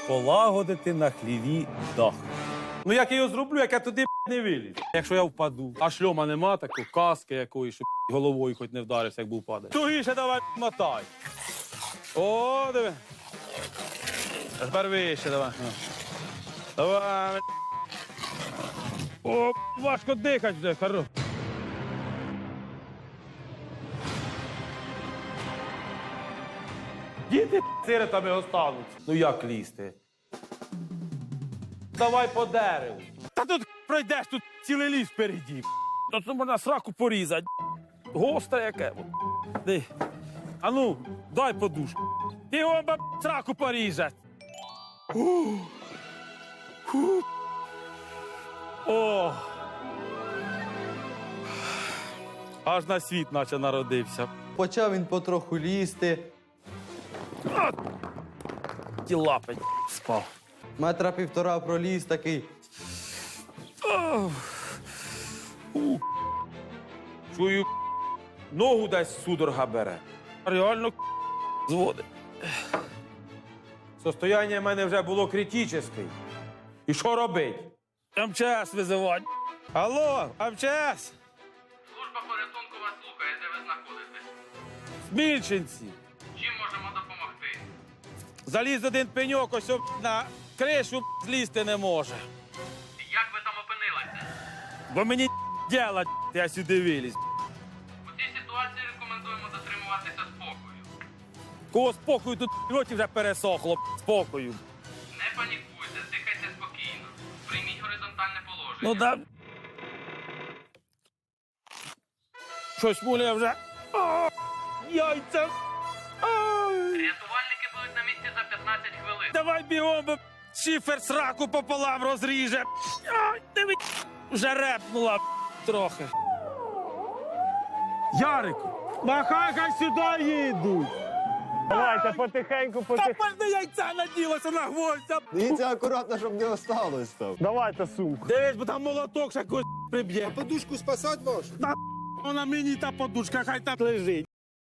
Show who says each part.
Speaker 1: полагодити на хліві дах. Ну як я його зроблю, як я туди не виліз? Якщо я впаду, а шльома нема такої, каски якоїсь, щоб головою хоч не вдарився, як був падає. Тугіше давай мотай. О, диви. А тепер вище давай. Давай. О, важко дихати вже, хорош. Діти сиротами остануться. Ну як лізти? Давай по дереву. Та тут пройдеш, тут цілий ліс впереді. Тут можна сраку порізати. Гостре яке. Ди. А ну, дай подушку. Ти його сраку порізать. О! Аж на світ наче народився.
Speaker 2: Почав він потроху лізти.
Speaker 1: Ті лапи спав.
Speaker 2: Метра півтора проліз такий.
Speaker 1: Чую, ногу десь судорога бере. Реально зводить. Состояння в мене вже було критичне. І що робить? МЧС визивати. Алло, МЧС?
Speaker 3: Служба порятунку вас слухає, де ви знаходитесь.
Speaker 1: Смільченці.
Speaker 3: Чим можемо допомогти?
Speaker 1: Заліз один пеньок, ось на кришу злізти не може.
Speaker 3: Як ви там опинилися?
Speaker 1: Бо мені діла, я сюди виліз.
Speaker 3: У цій ситуації рекомендуємо дотримуватися спокою.
Speaker 1: Кого спокою тут роті вже пересохло, спокою.
Speaker 3: Не панікуйте, дихайте спокійно. Прийміть горизонтальне положення.
Speaker 1: Ну да. Щось муляє вже. О, яйця. Ай.
Speaker 3: Рятувальники будуть на місці за 15 хвилин.
Speaker 1: Давай бігом, бо шифер сраку пополам розріже. Ай, диви, вже репнула трохи. Ярику, махай, хай сюди їдуть.
Speaker 4: Давайте потихеньку,
Speaker 1: Та пальне яйця наділося на гвоздя.
Speaker 5: Дивіться акуратно, щоб не осталось там.
Speaker 4: Давайте сумку.
Speaker 1: Дивись, бо там молоток ще когось приб'є.
Speaker 5: Подушку спасать вашу?
Speaker 1: Вона мені та подушка, хай там лежить.